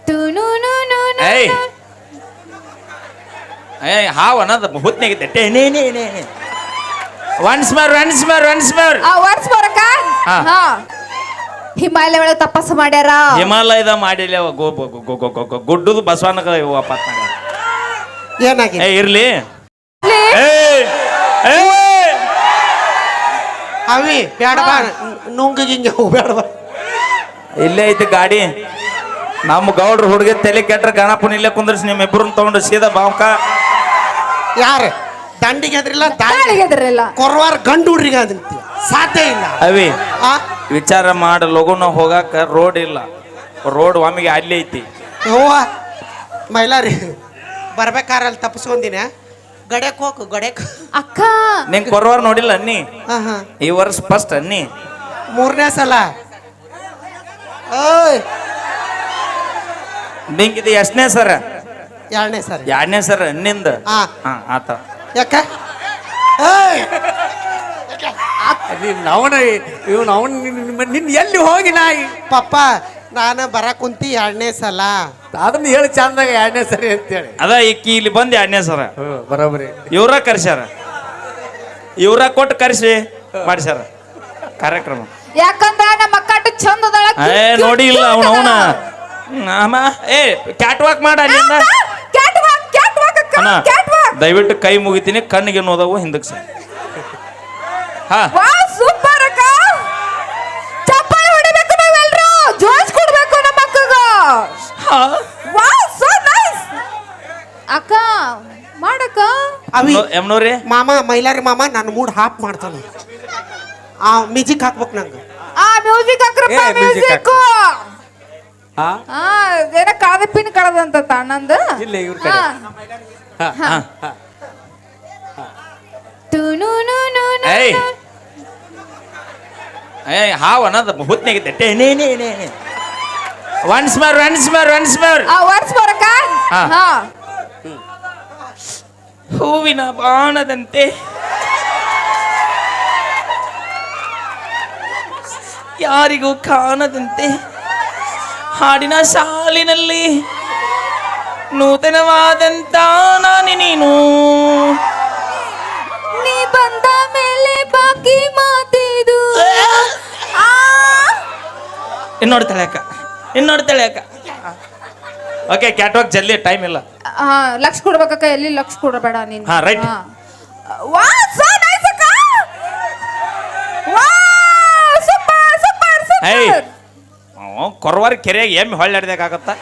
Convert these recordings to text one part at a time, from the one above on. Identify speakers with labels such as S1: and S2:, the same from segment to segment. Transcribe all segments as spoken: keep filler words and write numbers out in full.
S1: ಏಯ್ ಏಯ್ ಹಾವ್ ಅನ್ನೋದು ಹುತ್ನಾಗಿದ್ದೆ ಟೇನೇ ನೇ ನೇ once more once more once more
S2: once more ಅಕ್ಕ ಹಾ ಹಿಮಾಲಯ ಒಳಗೆ ತಪಸ್ಸು ಮಾಡ್ಯಾರ
S1: ಹಿಮಾಲಯದ ಮಾಡಿಲ್ಲ ಗುಡ್ಡದು ಬಸವನಗ ವಾಪಸ್ ಮಾಡ್ಯಾರ
S3: ಏನಾಗಿದೆ
S1: ಏ ಇರ್ಲಿ
S3: ಅವಿ ಬೇಡ ಬಾ ನುಂಗ ಗಿಂಗೆ ಬೇಡ ಬಾ
S1: ಇಲ್ಲೇ ಐತಿ ಗಾಡಿ ನಮ್ಮ ಗೌಡ್ರ ಹುಡುಗಿ ತಲೆ ಕೆಟ್ರ ಗಣಪನ ಇಲ್ಲೇ ಕುಂದ್ರಿಸಿ ನಿಮ್ಮ ಇಬ್ಬರನ್ನ ತಗೊಂಡು ಸೀದಾ ಬಾವ್ಕ
S3: ಯಾರು ದಂಡಿಗೆ ಎದ್ರಿಲ್ಲ
S2: ದಾಳಿಗೆ ಎದ್ರಿಲ್ಲ
S3: ಕೊರವಾರ ಗಂಡು ಹುಡ್ರಿಗೆ ಅದಂತ ಸಾಧ್ಯ ಇಲ್ಲ
S1: ಅವಿ
S3: ಆ
S1: ವಿಚಾರ ಮಾಡ ಲಗುನ ಹೋಗಾಕ ರೋಡ್ ಇಲ್ಲ ರೋಡ್ ಒಮ್ಮಿಗೆ ಅಲ್ಲಿ ಐತಿ
S3: ಯವ್ವ ಮೈಲಾರಿ ಬರ್ಬೇಕಾರೆ ಅಲ್ಲಿ ತಪ್ಪಿಸ್ಕೊಂದಿನ ಗಡೆಕ್ ಹೋಗು ಗಡೆಕ್
S2: ಅಕ್ಕ
S1: ನಿಂಗೆ ಕೊರವಾರ ನೋಡಿಲ್ಲ ಅನ್ನಿ
S3: ಹಾ ಹಾ
S1: ಈ ವರ್ಷ ಫಸ್ಟ್ ಅನ್ನಿ
S3: ಮೂರನೇ ಸಲ ಓಯ್
S1: ನಿಂಗಿದು ಎಷ್ಟನೇ ಸರ
S3: ಎರಡನೇ ಸರಿ
S1: ಎರಡನೇ ಸರ ಅನ್ನಿಂದ
S3: ಹಾ
S1: ಹಾ ಆತ
S3: ಯಾಕ ಏಯ್
S4: ಅವನ ಇವನು ಅವನು ನಿನ್ನ ಎಲ್ಲಿ ಹೋಗಿ ನಾಯಿ
S3: ಪಪ್ಪ ನಾನು ಬರ ಕುಂತಿ ಎರಡನೇ ಸಲ
S4: ಅದನ್ನ ಹೇಳಿ ಚಂದಾಗ ಎರಡನೇ ಸರಿ ಅಂತೇಳಿ
S1: ಅದ ಈಕಿ ಇಲ್ಲಿ ಬಂದು ಎರಡನೇ ಸರ
S4: ಬರೋಬರಿ
S1: ಇವ್ರ ಕರ್ಸ್ಯಾರ ಇವ್ರ ಕೊಟ್ಟು ಕರ್ಸಿ ಮಾಡಿಸ್ಯಾರ ಕಾರ್ಯಕ್ರಮ
S2: ಯಾಕಂದ್ರ ನಮ್ಮ ಅಕ್ಕ ಚಂದ ಅದಾಳ
S1: ಏ ನೋಡಿ ಇಲ್ಲ ಅವನ ಅವನ ಅಮ್ಮ ಏ ಕ್ಯಾಟ್ ವಾಕ್ ಮಾಡ ಅಲ್ಲಿಂದ
S2: ಕ್ಯಾಟ್ ವಾಕ್ ಕ್ಯಾಟ್ ವಾಕ್ ಅಕ್ಕ
S1: ಅಣ್ಣ
S2: ಕ್ಯಾಟ್ ವಾಕ್
S1: ದಯವಿಟ್ಟು ಕೈ ಮುಗಿತೀನಿ ಕಣ್ಣಿಗೆ ನೋದವು ಹಿಂದಕ್ಕೆ ಸರ್ ಹಾ
S2: ವಾವ್ ಸೂಪರ್ ಅಕ್ಕ ಚಪ್ಪಾಳೆ ಹೊಡಿಬೇಕು ನಾವೆಲ್ಲರೂ ಜೋಶ್ ಕೊಡ್ಬೇಕು ನಮ್ಮ ಅಕ್ಕಗ ವಾವ್ ಸೋ ನೈಸ್ ಅಕ್ಕ ಮಾಡಕ್ಕ
S3: ಅವಿ
S1: ಎಮ್ನೋರಿ
S3: ಮಾಮ ಮೈಲಾರಿ ಮಾಮ ನನ್ನ ಮೂಡ್ ಹಾಪ್ ಮಾಡ್ತಾನ ಆ ಮ್ಯೂಸಿಕ್ ಹಾಕ್ಬೇಕು ನಂಗೆ
S2: ಆ ಮ್ಯೂಸಿಕ್ ಹಾಕ್ರಪ್ಪ
S4: ಏ, music
S2: ಮ್ಯೂಸಿಕ್
S4: ಹಾ
S2: ಆ ಏನ ಕಳದ ಪಿನ್ ಕಳದಂತ ತಣ್ಣಂದ
S4: ಇಲ್ಲ ಇವ್ರ ಕಡೆ
S1: ಏಯ್ ಏಯ್ ಹಾವ್ ಅನ್ನೋದು ಹುತ್ನಾಗಿದ್ದೆ ಟೇನೇ ನೇ ನೇ once more once more once more
S2: ಆ ವರ್ಸ್ ಬರಕ
S1: ಹಾ.
S2: ಹಾ
S1: ಹೂವಿನ ಬಾಣದಂತೆ ಯಾರಿಗೂ ಕಾಣದಂತೆ ಹಾಡಿನ ಸಾಲಿನಲ್ಲಿ ನೂತನವಾದಂತ ನಾನಿ ನೀನು
S2: ನೀ ಬಂದ ಮೇಲೆ ಬಾಕಿ ಮಾತಿದು ಆ
S1: ಇನ್ನೋಡ್ತಾಳೆ ಅಕ್ಕ ಇನ್ನೋಡ್ತಾಳೆ ಅಕ್ಕ ಓಕೆ ಕ್ಯಾಟ್ ವಾಕ್ ಜಲ್ದಿ ಟೈಮ್ ಇಲ್ಲ
S2: ಆ, ಲಕ್ಷ ಕೊಡ್ಬೇಕಕ್ಕ ಎಲ್ಲಿ ಲಕ್ಷ ಕೊಡಬೇಡ ನೀನು
S1: ಹಾ, right.
S2: ವಾ ಸೋ ನೈಸ್ ಅಕ್ಕ ವಾ ಸೂಪರ್ ಸೂಪರ್
S1: ಏಯ್
S2: ಸೂಪರ್
S1: ಕೊರವಾರ ಕೆರೆಯಾಗ ಎಮ್ಮೆ ಹೊಳ್ಳಾಡ್ದಾಗತ್ತ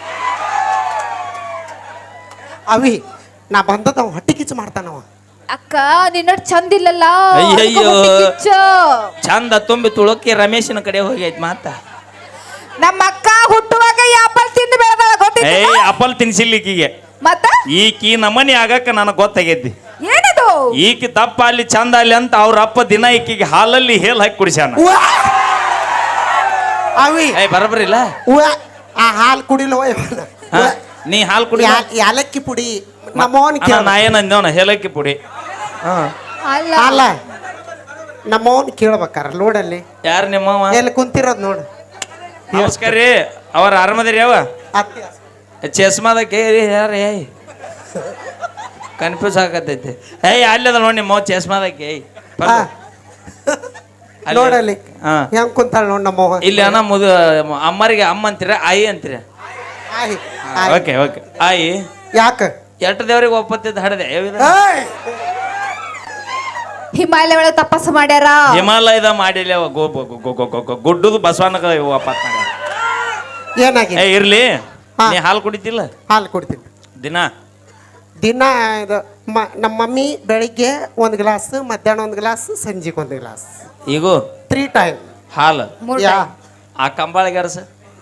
S3: ಅವಿ ನಾ ಬಂದದ ಅವ ಹೊಟ್ಟೆ ಕಿಚ್ಚು ಮಾಡ್ತಾನವ
S2: ಅಕ್ಕ ನಿನ್ನ ಚಂದ ಇಲ್ಲಲ್ಲ
S1: ಅಯ್ಯಯ್ಯೋ.
S2: ಹೊಟ್ಟೆ ಕಿಚ್ಚು.
S1: ಚಂದ ತುಂಬಿ ತುಳುಕಿ ರಮೇಶನ ಕಡೆ ಹೋಗೈತ್ ಮಾತ
S2: ನಮ್ಮ ಅಕ್ಕ ಹುಟ್ಟುವಾಗ ಆಪಲ್ ತಿಂದು ಬೆಳೆದಾಳ ಗೊತ್ತಿಲ್ಲ
S1: ಏಯ್ ಅಪಲ್ ತಿನ್ಸಿಲ್ಲ ಈಕಿಗೆ
S2: ಮತ್ತ
S1: ಈಕಿ ನಮನಿ ಆಗಕ್ಕ ನನಗೆ ಗೊತ್ತಾಗೈತಿ
S2: ಏನದು
S1: ಈಕಿ ದಪ್ಪ ಅಲ್ಲಿ ಚಂದ ಅಲ್ಲಿ ಅಂತ ಅವ್ರ ಅಪ್ಪ ದಿನ ಈಕಿಗೆ ಹಾಲಲ್ಲಿ ಹೇಲ್ ಹಾಕಿ ಕುಡಿಸ್ಯಾನ
S3: ಅವಿ
S1: ಏಯ್ ಬರಬರಿಲ್ಲ
S3: ಉವ್ವ, ಆ ಹಾಲು ಕುಡಿಲೋ
S1: ಹಾ, ನೀ ಹಾಲು ಕುಡಿ
S3: ಯಾಲಕ್ಕಿ ಪುಡಿ ನಮ್ಮವನ್
S1: ಅಣ್ಣ, ನಾ ಏನಂದೇವನ ಹೇಲಕ್ಕಿ ಪುಡಿ
S2: ಅಲ್ಲ
S3: ಅಲ್ಲ ನಮ್ಮವನ್ ಕೇಳ್ಬೇಕಾರ ಲೋಡಲ್ಲಿ
S1: ಯಾರು ನಿಮ್ಮವ
S3: ಎಲ್ಲಿ ಕುಂತಿರೋದ್ ನೋಡು
S1: ನಮಸ್ಕಾರ ರೀ ಅವ್ರ ಆರಾಮದಿರಿ ಯಾವ
S3: ಅತ್ತಿ
S1: ಚಸ್ಮಾದ ಕೇರಿ ಯಾರ ಏಯ್ ಕನ್ಫ್ಯೂಸ್ ಆಗತೈತಿ ಏಯ್ ಅಲ್ಲದ ನೋಡಿ ನಿಮ್ಮ ಚಸ್ಮಾದಕ್ಕೆ ಏಯ್
S3: ಹಾ. ನೋಡಲ್ಲಿ
S1: ಹಾ
S3: ಹೆಂಗ್ ಕುಂತಾಳ ನೋಡ್ ನಮ್ಮವ
S1: ಇಲ್ಲಿ ಅಣ್ಣ ಮುದು ಅಮ್ಮರಿಗೆ ಅಮ್ಮ ಅಂತೀರ ಆಯಿ ಅಂತೀರ
S3: ಆಯ್, ಆಯ್.
S1: ಓಕೆ ಓಕೆ ಆಯಿ
S3: ಯಾಕ
S1: ಎಷ್ಟು ದೇವ್ರಿಗೆ ಒಪ್ಪತ್ತಿದ್ದು ಹಡದೆ
S3: ಏಯ್!
S2: ಹಿಮಾಲಯ ಒಳಗೆ ತಪಸ್ಸು ಮಾಡ್ಯಾರ
S1: ಹಿಮಾಲಯದ ಮಾಡಿಲ್ಲ ಅವ ಗೋ ಗೋ- ಗೋ- ಗೋ- ಗೋ- ಗೋ- ಗುಡ್ಡದು ಬಸವನಗ ವಾಪಸ್ ಮಾಡ್ಯಾರ
S3: ಏನಾಗಿದೆ
S1: ಏ ಇರ್ಲಿ
S3: ಹಾ.
S1: ನೀ ಹಾಲು ಕುಡಿತಿಲ್ಲ
S3: ಹಾಲು ಕೊಡ್ತೀನಿ
S1: ದಿನ
S3: ದಿನ ಇದು ಮ- ನಮ್ಮ ಮಮ್ಮಿ ಬೆಳಿಗ್ಗೆ ಒಂದು ಗ್ಲಾಸ್ ಮಧ್ಯಾಹ್ನ ಒಂದು ಗ್ಲಾಸ್ ಸಂಜೆಗೆ ಒಂದು ಗ್ಲಾಸ್
S1: ಈಗೂ
S3: ತ್ರೀ ಟೈಮ್
S1: ಹಾಲು
S2: ಮೂರ್
S3: ಯಾ
S2: time.
S1: ಆ ಕಂಬಾಳಿಗೆ ಅರಸ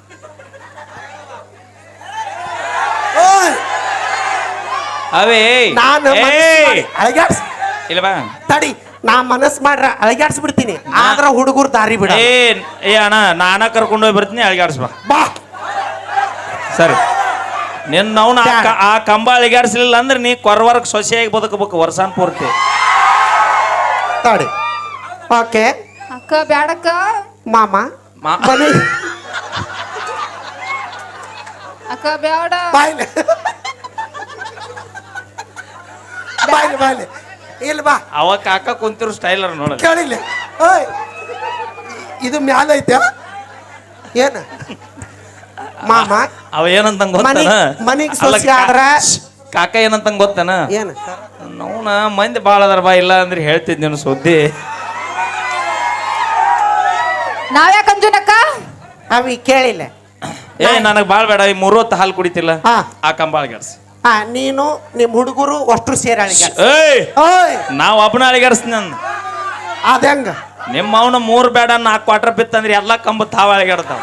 S1: ಅವೇ
S3: ನಾನು
S1: ಏಯ್!
S3: ಅಳಗ್ಯಾಡ್ಸ್
S1: ಇಲ್ಲ ಬಾ
S3: ತಡಿ ನಾ ಮನಸ್ ಮಾಡ್ರ ಅಳಗ್ಯಾಡ್ಸ್ ಬಿಡ್ತೀನಿ ಆದ್ರ ಹುಡುಗರು ದಾರಿ ಬಿಡ
S1: ಏ ಏ ಅಣ್ಣ ನಾನ ಕರ್ಕೊಂಡು ಹೋಗಿ ಬರ್ತೀನಿ ಅಳಿಗಾಡ್ಸ್ ಬಾ
S3: ಬಾ
S1: ಸರಿ ನಿನ್ನ ಅವ್ನ ಆ ಕ- ಆ ಕಂಬ ಅಳಿಗಾಡ್ಸ್ಲಿಲ್ಲ ಅಂದ್ರೆ ನೀ ಕೊರವರ್ಗ ಸೊಸೆಯಾಗಿ ಬದುಕಬೇಕು ವರ್ಷಾನ್ ಪೂರ್ತಿ
S3: ತಡಿ ಓಕೆ
S2: ಅಕ್ಕ ಬ್ಯಾಡಕ್ಕ
S3: ಮಾಮ
S1: ಮಾ-
S3: ಬನ್ನಿ
S2: ಅಕ್ಕ ಬ್ಯಾಡ
S3: ಬಾಯ್ಲೆ ಬಾಯ್ಲೆ ಬಾಯ್ಲೆ ಇಲ್ಲ ಬಾ
S1: ಅವ ಕಾಕ ಕುಂತಿರೋ ಸ್ಟೈಲರ್ ನೋಡ
S3: ಕೇಳಿಲ್ಲ ಓಯ್ ಇದು ಮ್ಯಾಲ ಐತೆ ಏನ ಮಾಮ
S1: ಅವ ಏನಂತ ಗೊತ್ತಾನ
S3: ಮನಿಗ್- ಮನಿಗ್ ಸೊಸಿ ಆದ್ರ
S1: ಕಾಕ ಏನಂತ ಗೊತ್ತಾನ
S3: ಏನ
S1: ನೋನ ಮಂದಿ ಬಾಳ ಅದಾರ ಬಾ ಇಲ್ಲ ಅಂದ್ರೆ ಹೇಳ್ತಿದ್ ನೀನು ಸುದ್ದಿ
S2: ನಾವ್ಯಾಕ ಅಂಜುನಕ್ಕ
S3: ಅವಿ ಕೇಳಿಲ್ಲ
S1: ಏ ನನಗ್ ಬಾಳ್ ಬೇಡ ಈ ಮೂರು ಹೊತ್ತು ಹಾಲು ಕುಡಿತಿಲ್ಲ
S3: ಹಾ.
S1: ಆ ಕಂಬಾಳ ಗೆಡ್ಸ್
S3: ಹಾ ನೀನು ನಿಮ್ ಹುಡುಗರು ಅಷ್ಟು ಸೇರಾಳಿಗ
S1: ಏಯ್
S3: ಓಯ್
S1: ನಾವ್ ಒಬ್ಬನ ಅಳಿಗಾಡ್ಸ್ ನನ್
S3: ಅದಂಗ
S1: ನಿಮ್ಮ ಅವನ ಮೂರ್ ಬೇಡ ನಾಲ್ಕು ಕ್ವಾರ್ಟರ್ ಬಿತ್ತಂದ್ರೆ ಎಲ್ಲಾ ಕಂಬ ತಾವ ಅಳಿಗಾಡ್ತಾವ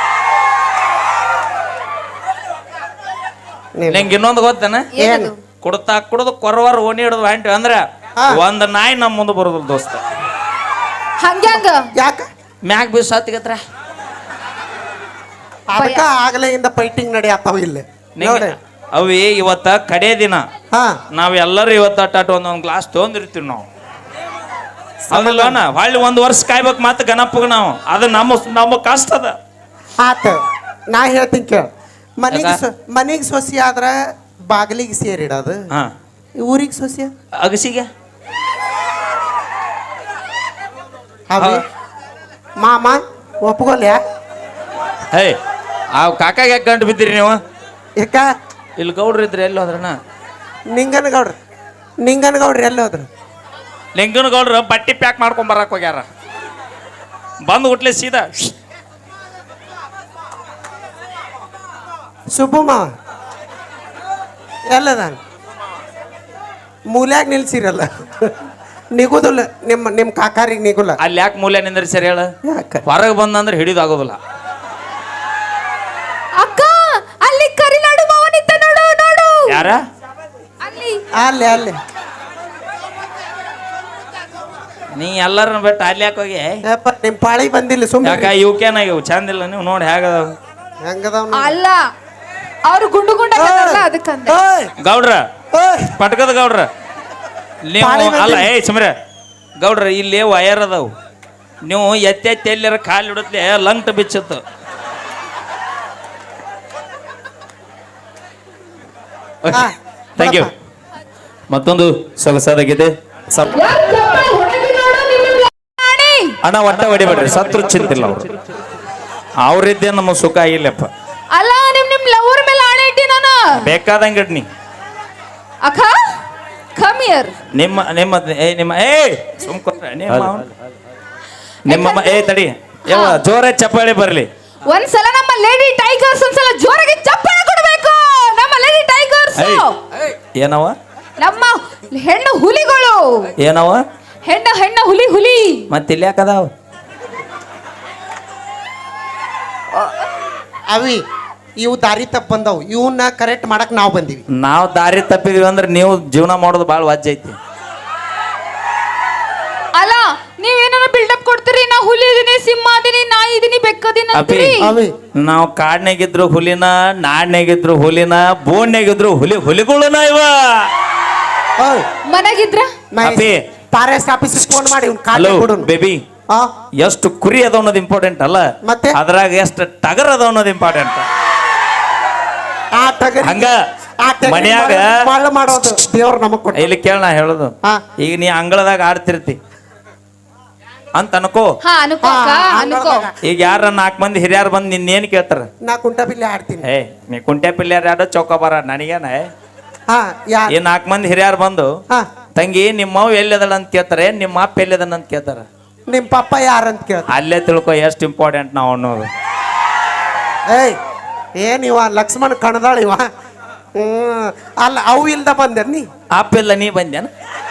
S1: ನಿಂಗೆ ಇನ್ನೊಂದು ಗೊತ್ತೇನ
S3: ಏನು
S1: ಕುಡ್ತಾ ಕುಡ್ದು ಕೊರವಾರ ಓಣಿ ಹಿಡಿದು ಹೊಂಟಿ ಅಂದ್ರ
S3: ಹಾ.
S1: ಒಂದ್ ನಾಯಿ ನಮ್ಮ ಮುಂದೆ ಬರೋದಿಲ್ಲ ದೋಸ್ತ
S2: ಹಂಗ್ಯಾಂಗ
S3: ಯಾಕ
S1: ಮ್ಯಾಗ್ ಬೀಸ್ ಹತ್ತಿಗತ್ರ
S3: ಅದಕ್ಕ ಆಗಲೆಯಿಂದ ಫೈಟಿಂಗ್ ನಡೆಯತ್ತಾವ ಇಲ್ಲಿ ನೋಡಿ
S1: ಅವಿ ಇವತ್ತ ಕಡೆ ದಿನ
S3: ಹಾ
S1: ನಾವ್ ಎಲ್ಲರೂ ಇವತ್ತ ಅಟ್ಟಾಟ ಒಂದೊಂದ್ ಗ್ಲಾಸ್ ತೊಗೊಂಡಿರ್ತೀವಿ ನಾವು ಅದಲ್ಲೋಣ ಹೊಳ್ಳಿ ಒಂದ್ ವರ್ಷ ಕಾಯ್ಬೇಕು ಮಾತು ಗಣಪಗ್ ನಾವು ಅದು ನಮ್ಮ ನಮ್ಮ ಕಷ್ಟ ಅದ
S3: ಆತ ನಾ ಹೇಳ್ತೀನಿ ಕೇಳ ಮನಿಗೆ
S1: ಯಾಕ?
S3: ಸೊ- ಮನಿಗೆ ಸೊಸಿ ಆದ್ರ ಬಾಗಿಲಿಗೆ ಸೇರಿಡೋದು
S1: ಹಾ
S3: ಊರಿಗೆ ಸೊಸಿ
S1: ಅಗಸಿಗೆ
S3: ಅವಿ ಮಾಮ ಒಪ್ಕೊಲ್ಯಾ
S1: ಹೇ ಆ ಕಾಕಾಗ ಯಾಕೆ ಗಂಟು ಬಿದ್ದೀರಿ ನೀವು
S3: ಯಾಕ
S1: ಇಲ್ಲಿ ಗೌಡ್ರು ಇದ್ರಿ ಎಲ್ಲಿ ಹೋದ್ರಣ್ಣ
S3: ನಿಂಗನಗೌಡ್ರ ನಿಂಗನಗೌಡ್ರಿ ಎಲ್ಲಿ ಹೋದ್ರು
S1: ಲಿಂಗನ ಗೌಡ್ರು ಬಟ್ಟಿ ಪ್ಯಾಕ್ ಮಾಡ್ಕೊಂಡ್ ಬರಕ್ ಹೋಗ್ಯಾರ ಬಂದು ಹುಟ್ಲೆ ಸೀದಾ
S3: ಸುಬ್ಬು ಮಾವ ಎಲ್ಲದ ಮೂಲ್ಯಾಗ ನಿಲ್ಸಿರಲ್ಲ ನಿಗುದಿಲ್ಲ ನಿಮ್ಮ ನಿಮ್ಮ ಕಾಕಾರಿಗೆ ನಿಗುಲ್ಲ
S1: ಅಲ್ಲಿ ಯಾಕೆ ಮೂಲೆ ನಿಂದ್ರಿ ಸರಿ ಹೇಳ
S3: ಯಾಕ
S1: ಹೊರಗೆ ಬಂದಂದ್ರೆ ಹಿಡಿದಾಗೋದಿಲ್ಲ
S2: ಅಕ್ಕ ಅಲ್ಲಿ ಕರಿನಾಡು ಮಾವನಿತ್ತ ನೋಡು ನೋಡು
S1: ಯಾರ
S2: ಅಲ್ಲಿ
S3: ಅಲ್ಲಿ ಅಲ್ಲಿ
S1: ನೀ ಎಲ್ಲರನ್ನ ಬಿಟ್ಟು ಅಲ್ಲಿ ಯಾಕೆ ಹೋಗಿ
S3: ಯಪ್ಪ ನಿಮ್ಮ ಪಾಳಿ ಬಂದಿಲ್ಲ
S1: ಯಾಕ
S3: ಸುಮ್ಮನೆ
S1: ಇವಕ್ಕೇನಾಗಿವು ಚಂದಿಲ್ಲ ನೀವು ನೋಡಿ ಹೇಗದಾವ
S3: ಹೆಂಗದವ್
S2: ಅಲ್ಲ ಅವ್ರು ಗುಂಡು ಗುಂಡ ಅದಕ್ಕಂದ
S1: ಗೌಡ್ರ ಪಟ್ಕದ ಗೌಡ್ರ ನೀವು
S3: ಪಾಳಿ ಬಂದಿಲ್ಲ.
S1: ಅಲ್ಲ ಏಯ್ ಸುಮ್ರೆ ಗೌಡ್ರ ಇಲ್ಲಿ ವಯರ್ ಅದಾವು ನೀವು ಎತ್ತೆ ಎತ್ತಿ ಎಲ್ಲರ ಕಾಲು ಇಡತ್ಲೆ ಲಂಗ್ಟ್ ಬಿಚ್ಚತ್ತು ಥ್ಯಾಂಕ್ ಯು ಮತ್ತೊಂದು ಸೊಗಸಾದಾಗಿದೆ ಸಪ್ ಅಣ್ಣ ಒಟ್ಟ ಹೊಡಿಬೇಡ್ರಿ ಸತ್ರು ಚಿಂತಿಲ್ಲ ಅವ್ರು ಅವ್ರಿದ್ದೇ ನಮ್ಮ ಸುಖ ಆಗಿಲ್ಲಪ್ಪ
S2: ಅಲ್ಲ ನಿಮ್ ನಿಮ್ ಲವರ್ ಮೇಲೆ ಆಣೆ ಇಟ್ಟಿ ನಾನು
S1: ಬೇಕಾದಂಗೆ ಇಡ್ ನೀ
S2: ಅಕ್ಕ ಕಮ್ ಹಿಯರ್
S1: ನಿಮ್ಮ ನಿಮ್ಮ ಏ ನಿಮ್ಮ ಏ ಸುಮ್ಕೊಟ್ರೆ ನಿಮ್ಮ ಅವ್ನ್- ನಿಮ್ಮ ಮ- ಏ ತಡಿ ಯಾವ ಜೋರ ಚಪ್ಪಾಳಿ ಬರ್ಲಿ
S2: ಒಂದ್ಸಲ ನಮ್ಮ ಲೇಡಿ ಟೈಗರ್ಸ್ ಒಂದ್ಸಲ ಜೋರಾಗಿ ಚಪ್ಪಾಳೆ ಕೊಡ್ಬೇಕು ನಮ್ಮ ಲೇಡಿ ಟೈಗರ್ಸ್
S1: ಏಯ್. ಏನವ
S2: ನಮ್ಮ ಹೆಣ್ಣು ಹುಲಿಗಳು
S1: ಏನವ
S2: ಹೆಣ್ಣ ಹೆಣ್ಣ ಹುಲಿ ಹುಲಿ
S1: ಮತ್ತೆ ಇಲ್ಲಿ ಯಾಕದಾವ
S3: ಅವಿ ಇವು ದಾರಿ ತಪ್ಪ ಬಂದವು ಇವನ್ನ ಕರೆಕ್ಟ್ ಮಾಡಕ್ ನಾವು ಬಂದೀವಿ
S1: ನಾವು ದಾರಿ ತಪ್ಪಿದ್ವಿ ಅಂದ್ರೆ ನೀವು ಜೀವನ ಮಾಡೋದು ಭಾಳ ವಾಜ್ಯ ಐತಿ
S2: ಅಲ್ಲ ನೀವೇನಾರ ಬಿಲ್ಡಪ್ ಕೊಡ್ತೀರಿ ನಾ ಹುಲಿ ಇದೀನಿ ಸಿಂಹ ಅದೀನಿ ನಾಯಿ ಇದೀನಿ ಬೆಕ್ಕದೀನಿ
S1: ಅಪಿ
S2: ಅಂತೀರಿ
S3: ಅವಿ
S1: ನಾವು ಕಾಡ್ನಾಗಿದ್ರು ಹುಲಿನ ನಾಡ್ನಾಗಿದ್ರು ಹುಲಿನ ಬೋನ್ಯಾಗಿದ್ರು ಹುಲಿ ಹುಲಿಗಳನ ಇವ
S3: ಓಯ್
S2: ಮನೆಗಿದ್ರ
S1: ಅಪಿ
S3: ಫಾರೆಸ್ಟ್ ಆಫೀಸ್ ಫೋನ್ ಮಾಡಿ ಇವ್ನ
S1: ಹಲೋ
S3: ಕಾಲ್ ಕೊಡು
S1: ಬೇಬಿ
S3: ಆ
S1: ಎಷ್ಟು ಕುರಿ ಅದ ಅನ್ನೋದು ಇಂಪಾರ್ಟೆಂಟ್ ಅಲ್ಲ
S3: ಮತ್ತೆ?
S1: ಅದ್ರಾಗ ಎಷ್ಟು ಟಗರ್ ಅದ ಅನ್ನೋದು ಇಂಪಾರ್ಟೆಂಟ್
S3: ಆ ಟಗರಿ
S1: ಹಂಗ
S3: ಆ ಟಗರಿ
S1: ಮನ್ಯಾಗ
S3: ಮಳ್ಳ- ಮಳ್ಳ ಮಾಡೋದು ದೇವ್ರ ನಮಗ್ ಕೊಟ್ಟ
S1: ಇಲ್ಲಿ ಕೇಳ ನಾ ಹೇಳೋದು
S3: ಹಾ.
S1: ಈಗ ನೀ ಅಂಗಳದಾಗ ಆಡ್ತಿರ್ತಿ ಅಂತ ಅನ್ಕೋ
S2: ಹಾ ಅನ್ಕೋ ಅಕ್ಕ
S3: ಹಾ,
S2: ಅನ್ಕೋ
S3: ಅಂಗಳದಾಗ.
S1: ಈಗ ಯಾರ ನಾಲ್ಕು ಮಂದಿ ಹಿರಿಯರು ಬಂದು ನಿನ್ನೇನು ಕೇಳ್ತಾರ
S3: ನಾ ಕುಂಟ ಬಿಲ್ಲಿ ಆಡ್ತೀನಿ
S1: ಏ ನೀ ಕುಂಟೆ ಪಿಲ್ಯಾರ ಯಾರೋ ಚೌಕಾಬಾರ ನನಗೇನ
S3: ಹಾ ಯಾ
S1: ಈ ನಾಲ್ಕು ಮಂದಿ ಹಿರಿಯರು ಬಂದು
S3: ಹಾ
S1: ತಂಗಿ ನಿಮ್ಮ ಅವ್ವ ಎಲ್ಲಿದಳ ಅಂತ ಕೇಳ್ತಾರೆ ನಿಮ್ಮ ಅಪ್ಪ ಎಲ್ಲಿದನ ಅಂತ ಕೇಳ್ತಾರ
S3: ನಿಮ್ ಪಪ್ಪ ಯಾರಂತ ಕೇಳ್ತ
S1: ಅಲ್ಲೇ ತಿಳ್ಕೊ ಎಷ್ಟು ಇಂಪಾರ್ಟೆಂಟ್ ನಾವು ಅನ್ನೋದು
S3: ಏಯ್ ಏನ್ ಇವ ಲಕ್ಷ್ಮಣ್ ಕಣದಾಳ ಇವ ಹ್ಮ್ ಅಲ್ಲ ಅವು ಇಲ್ದ ಬಂದೆ ನೀ
S1: ಅಪ್ಪ ಇಲ್ಲ ನೀ ಬಂದ್ಯಾನ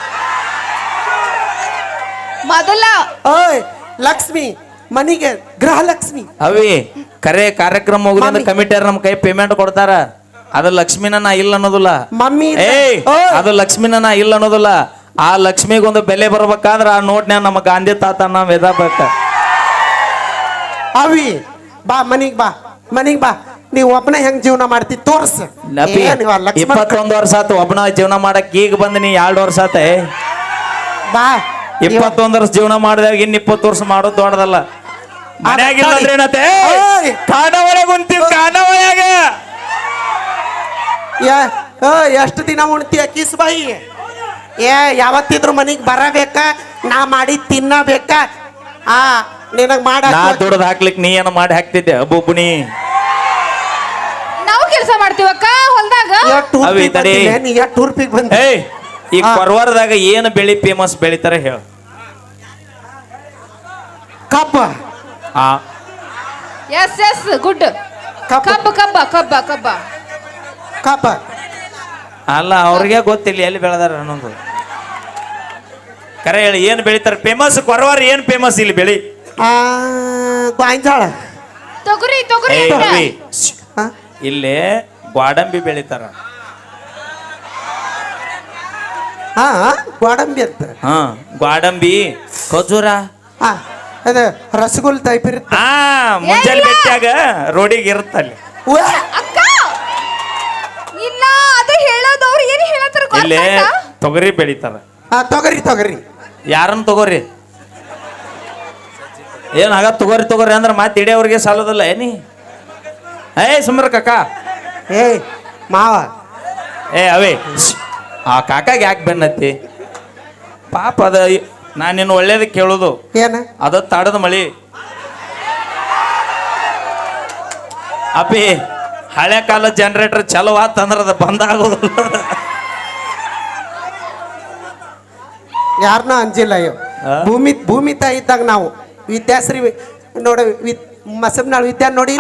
S2: ಮೊದಲ
S3: ಓಯ್ ಲಕ್ಷ್ಮಿ ಮನಿಗೆ ಗೃಹಲಕ್ಷ್ಮಿ
S1: ಅವಿ ಕರೆ ಕಾರ್ಯಕ್ರಮ ಮುಗಿದ
S3: ಮಮ್ಮಿ.
S1: ಕಮಿಟಿಯರ್ ನಮ್ಮ ಕೈ ಪೇಮೆಂಟ್ ಕೊಡ್ತಾರ ಅದು ಲಕ್ಷ್ಮಿನ ನಾ ಇಲ್ಲ ಅನ್ನೋದಿಲ್ಲ
S3: ಮಮ್ಮಿ ಇಲ್ಲ.
S1: ಏಯ್
S3: ಓಯ್.
S1: ಅದು ಲಕ್ಷ್ಮಿನ ನಾ ಇಲ್ಲ ಅನ್ನೋದಿಲ್ಲ ಆ ಲಕ್ಷ್ಮಿಗೊಂದು ಬೆಲೆ ಬರ್ಬೇಕಾದ್ರ ಆ ನೋಟ್ನ್ಯಾಗ ನಮ್ಮ ಗಾಂಧಿ ತಾತ ನಾವ್ ಎದಬೇಕ
S3: ಅವಿ ಬಾ ಮನಿಗ್ ಬಾ ಮನಿಗ್ ಬಾ ನೀವ್ ಒಬ್ಬನ ಹೆಂಗ್ ಜೀವನ ಮಾಡ್ತಿ ತೋರ್ಸ ಏನ್ ಇವ ಲಕ್ಷ್ಮಣ್ ಕ-
S1: ಇಪ್ಪತ್ತೊಂದು ವರ್ಷ ಆತು ಒಬ್ಬನ ಜೀವನ ಮಾಡಕ್ ಈಗ ಬಂದ್ ನೀ ಎರಡು ವರ್ಷ ಆತ
S3: ಬಾ
S1: ಇಪ್ಪತ್ತೊಂದು ವರ್ಷ ಜೀವನ ಮಾಡಿದಾಗ ಇನ್ ಇಪ್ಪತ್ತು ವರ್ಷ ಮಾಡೋದು ದೊಡ್ಡದಲ್ಲ ಮನ್ಯಾಗಿಲ್ಲ ಅಂದ್ರೆ ಏನತ್ತೆ
S3: ಓಯ್.
S1: ಕಾಣವಳ ಕುಂತೀವಿ ಕಾಣವಳಾಗ
S3: ಯಾ ಎಷ್ಟು ದಿನ ಉಣ್ತೀಯ ಕಿಸ್ ಬಾಯಿ ಏ ಯಾವತ್ತಿದ್ರು ಮನೆಗೆ ಬರಬೇಕಾ ನಾ ಮಾಡಿ ತಿನ್ನಬೇಕಾ ಆ ನಿನಗೆ ಮಾಡ
S1: ನಾ ದುಡ್ದು ಹಾಕ್ಲಿಕ್ ನೀ ಏನು ಮಾಡಿ ಹಾಕ್ತಿದ್ದೆ ಬೊಬ್ಬುಣಿ
S2: ನಾವು ಕೆಲಸ ಮಾಡ್ತೀವಕ್ಕ ಹೊಲ್ದಾಗ
S1: ಅವಿ ತಡಿ.
S3: ನೀ ಎಷ್ಟು ಟೂರ್ಪಿಗೆ ಬಂದ
S1: ಏಯ್ ಈ
S3: ಹಾ.
S1: ಕೊರವಾರದಾಗ ಏನು ಬೆಳಿ ಫೇಮಸ್ ಬೆಳಿತಾರ ಹೇಳ
S3: ಕಬ್ಬ
S1: ಆ
S2: ಎಸ್ ಎಸ್ ಗುಡ್
S3: ಕಬ್ಬ
S2: ಕಬ್ಬ ಕಬ್ಬ ಕಬ್ಬ ಕಬ್ಬ
S3: ಕಬ್ಬ
S1: ಅಲ್ಲ ಅವ್ರಿಗೆ ಗೊತ್ತಿಲ್ಲ ಎಲ್ಲಿ ಬೆಳೆದಾರ ಅನ್ನೋದು ಕರೆ ಹೇಳಿ ಏನು ಬೆಳಿತಾರ ಫೇಮಸ್ ಕೊರವಾರ ಏನು ಫೇಮಸ್ ಇಲ್ಲಿ ಬೆಳಿ
S3: ಆ ಗಾಂಜಾಳ
S2: ತೊಗರಿ ತೊಗರಿ
S1: ಏಯ್
S2: ಅಕ್ಕ.
S1: ರವಿ,
S3: ಹಾ
S1: ಇಲ್ಲಿ ಗ್ವಾಡಂಬಿ ಬೆಳಿತಾರ
S3: ಹಾ ಗೋಡಂಬಿ ಅಂತ
S1: ಹಾ ಗ್ವಾಡಂಬಿ ಖಜೂರ
S3: ಹಾ ಅದು ರಸಗುಲ್ ಟೈಪ್ ಇರುತ್ತೆ
S1: ಆ ಮುಂಜಾನೆ
S2: ಇಲ್ಲ.
S1: ಬೆಟ್ಟಾಗ ರೋಡಿಗೆ ಇರುತ್ತಲ್ಲಿ
S3: ಉವ್ಯಾ.
S2: ಅಕ್ಕ ಇಲ್ಲ ಅದು ಹೇಳೋದವ್ರು ಏನು ಹೇಳತ್ತಾರ
S1: ಇಲ್ಲಿ
S2: ಗೊತ್ತಾಯ್ತಾ
S1: ತೊಗರಿ ಬೆಳಿತಾರ
S3: ಆ ತೊಗರಿ ತೊಗರಿ
S1: ಯಾರನ್ನ ತಗೋರಿ ಏನ್ ಆಗ ತಗೋರಿ ತಗೋರಿ ಅಂದ್ರೆ ಮತ್ತೆ ಇಡಿಯವ್ರಿಗೆ ಸಾಲದಲ್ಲ ಏನಿ ಏ ಸುಮ್ರ ಕಾಕ
S3: ಏಯ್ ಮಾವ
S1: ಏ ಅವೇ ಶ್ಶ್. ಆ ಕಾಕಾಗೆ ಯಾಕೆ ಬೆನ್ನತ್ತಿ ಪಾಪ ಅದ ನಾನು ನಿನ್ನ ಒಳ್ಳೇದಕ್ಕೆ ಕೇಳೋದು
S3: ಏನ
S1: ಅದ ತಾಡದ ಮಳಿ ಅಪ್ಪಿ ಹಳೆ ಕಾಲ ಜನರೇಟರ್ ಚಲೋ ಆತಂದ್ರ ಅದ ಬಂದ್ ಆಗೋದಿಲ್ಲ
S3: ಯಾರನ್ನೂ ಅಂಜಿಲ್ಲ ಅಯ್ಯೋ
S1: ಆ?
S3: ಭೂಮಿ ಭೂಮಿ ತಾಯಿ ಇದ್ದಾಗ ನಾವು ವಿದ್ಯಾಶ್ರೀ ವಿ- ನೋಡ ವಿ ಮಸಬ್ನಾಳ್ ವಿದ್ಯಾ ನೋಡಿ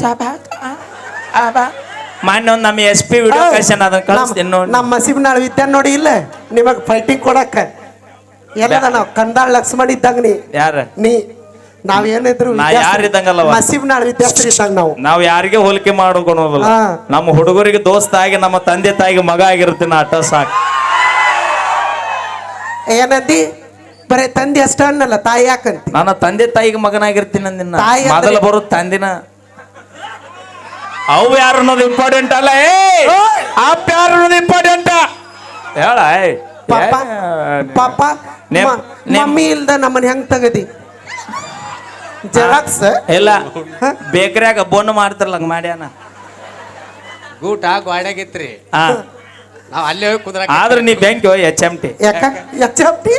S1: ಮಾನ್ಯ ಒಂದು ನಮ್ಮ ಎಸ್ ಪಿ ವಿಡಿಯೋ ಕಳ್ಸ್ಯಾನ ಅದನ್ನ ಕಳಿಸ್ತೀನಿ ನೋಡಿ
S3: ನಮ್ಮ ಮಸೀಬ್ನಾಳ್ ವಿದ್ಯಾ ನೋಡಿ ಇಲ್ಲ ನಿಮಗ್ ಫೈಟಿಂಗ್ ಕೊಡಕ್ಕ ಎಲ್ಲದ ನಾವು ಕಂದಾಳ್ ಲಕ್ಷ್ಮಣ್ ಇದ್ದಂಗ ನೀ
S1: ಯಾರ
S3: ನೀ ನಾವೇನಿದ್ರು
S1: ನಾ ಯಾರ್ ಇದ್ದಂಗಲ್ಲವ?
S3: ಮಸೀಬ್ನಾಳ್ ವಿದ್ಯಾಶ್ರೀ ಇದ್ದಂಗ ನಾವು
S1: ನಾವ್ ಯಾರಿಗೆ ಹೋಲಿಕೆ ಮಾಡೋದಿಲ್ಲ
S3: ಹಾ.
S1: ನಮ್ಮ ಹುಡುಗರಿಗೆ ದೋಸ್ತ ಆಗಿ ನಮ್ಮ ತಂದೆ ತಾಯಿಗೆ ಮಗ ಆಗಿರ್ತೀನಿ ಅಟ ಸಾಕು
S3: ಏನಂದಿ ಬರೇ ತಂದೆ ಅಷ್ಟ ಅನ್ನಲ್ಲ ತಾಯಿ ಯಾಕಂತಿ
S1: ನನ್ನ ತಂದೆ ತಾಯಿಗೆ ಮಗನಾಗಿರ್ತೀನಿ ಅಂದಿನ
S3: ತಾಯಿ ಅಂದ್ರೆ-
S1: ಮೊದಲ ಬರೋದು ತಂದಿನ ಅವು ಯಾರು ಅನ್ನೋದು ಇಂಪಾರ್ಟೆಂಟ್ ಅಲ್ಲ ಏ ಅಪ್ಪ ಯಾರು ಅನ್ನೋದು ಇಂಪಾರ್ಟೆಂಟ್ ಹೇಳ ಏಯ್.
S3: ಪಾಪ
S1: ಏ,
S3: ಪಾಪ
S1: ನೇಮ್-
S3: ಮ-
S1: ನೇಮ್-
S3: ಮಮ್ಮಿ ಇಲ್ದ ನಮ್ಮನ್ನ ಹೆಂಗ್ ತಗದಿ ಜೆರಾಕ್ಸ್
S1: ಇಲ್ಲ ಬೇಕರಿಯಾಗ ಬೋನ್ ಮಾಡ್ತಾರಲ್ಲ ಹಂಗ ಮಾಡ್ಯಾನ
S4: ಗೂಟ ಗೋಡ್ಯಾಗಿತ್ರಿ
S1: ಹಾ
S4: ನಾವ್ ಅಲ್ಲೇ ಹೋಗಿ ಕುಂದ್ರ
S1: ಆದ್ರೆ ನೀ ಬ್ಯಾಂಕ್ ಎಚ್ ಎಮ್ ಟಿ
S3: ಯಾಕ ಎಚ್ ಎಂ ಟಿ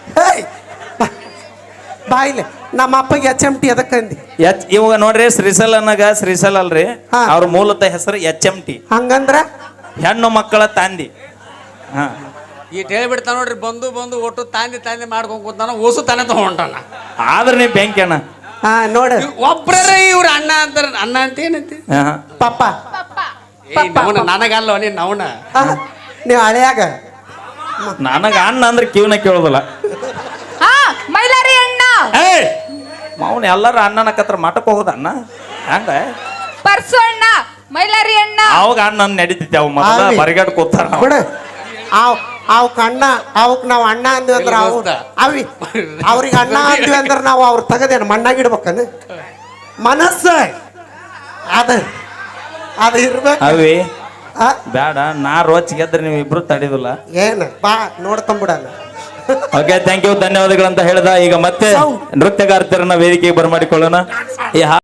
S3: ಬಾಯಿಲೆ ನಮ್ಮ ಅಪ್ಪಗೆ ಎಚ್ ಎಂ ಟಿ ಅದಕ್ಕಂದಿ
S1: ಎಚ್ ಇವಾಗ ನೋಡ್ರಿ ಶ್ರೀಸಲ್ ಅನ್ನಗ ಶ್ರೀಸಲ್ ಅಲ್ರಿ
S3: ಹಾ.
S1: ಅವ್ರ ಮೂಲತಃ ಹೆಸರು ಎಚ್ ಎಮ್ ಟಿ
S3: ಹಂಗಂದ್ರ
S1: ಹೆಣ್ಣು ಮಕ್ಕಳ ತಂದಿ ಹಾ
S4: ಈ ಹೇಳ್ಬಿಡ್ತಾನ ನೋಡ್ರಿ ಬಂದು ಬಂದು ಒಟ್ಟು ತಾಂದಿ ತಾಂದಿ ಮಾಡ್ಕೊಂಡ್ ಕೂತಾನ ಓಸು ತಾನೇ ತಗೊಂಡಾನ
S1: ಆದ್ರೆ ನೀ ಬ್ಯಾಂಕ್ ಅಣ್ಣ
S3: ಹಾ ನೋಡ
S4: ಒಬ್ರೇ ಇವ್ರ ಅಣ್ಣ ಅಂತಾರ ಅಣ್ಣ ಅಂತ ಏನಂತಿ
S1: ಹಾ
S3: ಪಪ್ಪ
S2: ಪಪ್ಪ
S4: ಏ ನವನ ನನಗಲ್ಲ ನೀನ್ ನವನ
S3: ಹಾ, ನೀವು ಹಳೆಯಾಗ
S1: ನನಗ ಅಣ್ಣ ಅಂದ್ರೆ ಕಿವಿನ ಕೇಳೋದಿಲ್ಲ
S2: ಹಾ ಮೈಲಾರಿ ಅಣ್ಣ
S1: ಏಯ್ ಮಾವನ್ ಎಲ್ಲಾರು ಅಣ್ಣನ ಕತ್ರ ಮಠಕ್ಕೆ ಹೋಗೋದ ಅಣ್ಣ ಹಂಗ
S2: ಪರ್ಸು ಅಣ್ಣ ಮೈಲಾರಿ ಅಣ್ಣ
S1: ಅವಾಗ ಅಣ್ಣ ನಡೀತಿದ್ದೆ ಅವ್ ಮೊದಲ
S3: ಆವಿ.
S1: ಬರಿಗಾಡ್ ಕೂತಾರ ಅವ.
S3: ಬಿಡ ಅವ್ ಅವಕ್ ಅಣ್ಣ ಅವಕ್ ನಾವ್ ಅಣ್ಣ ಅಂದ್ವಿ ಅಂದ್ರ ಅವ್
S4: ದೋಸ್ತ.
S3: ಅವಿ ಅವ್ರಿಗೆ ಅಣ್ಣ ಅಂದ್ವಿ ಅಂದ್ರ ನಾವು ಅವ್ರ ತಗದೇನು ಮಣ್ಣಾಗಿಡ್ಬೇಕನ ಮನಸ್ಸ ಅದ ಅದ ಇರ್ಬೇಕು
S1: ಅವಿ
S3: ಆ,
S1: ಬೇಡ ನಾ ರೋಚ್ ಗೆದ್ರೆ ನೀವು ಇಬ್ರು ತಡಿದಿಲ್ಲ
S3: ಏನ್ ಬಾ ನೋಡ್ಕೊಂಬಿಡಣ
S1: ಓಕೆ ಥ್ಯಾಂಕ್ ಯು ಧನ್ಯವಾದಗಳಂತ ಹೇಳ್ದ ಈಗ ಮತ್ತೆ
S3: Sound.
S1: ನೃತ್ಯಗಾರ್ತಿಯರನ್ನ ವೇದಿಕೆಗೆ ಬರಮಾಡಿಕೊಳ್ಳೋಣ ಈ ಹಾ-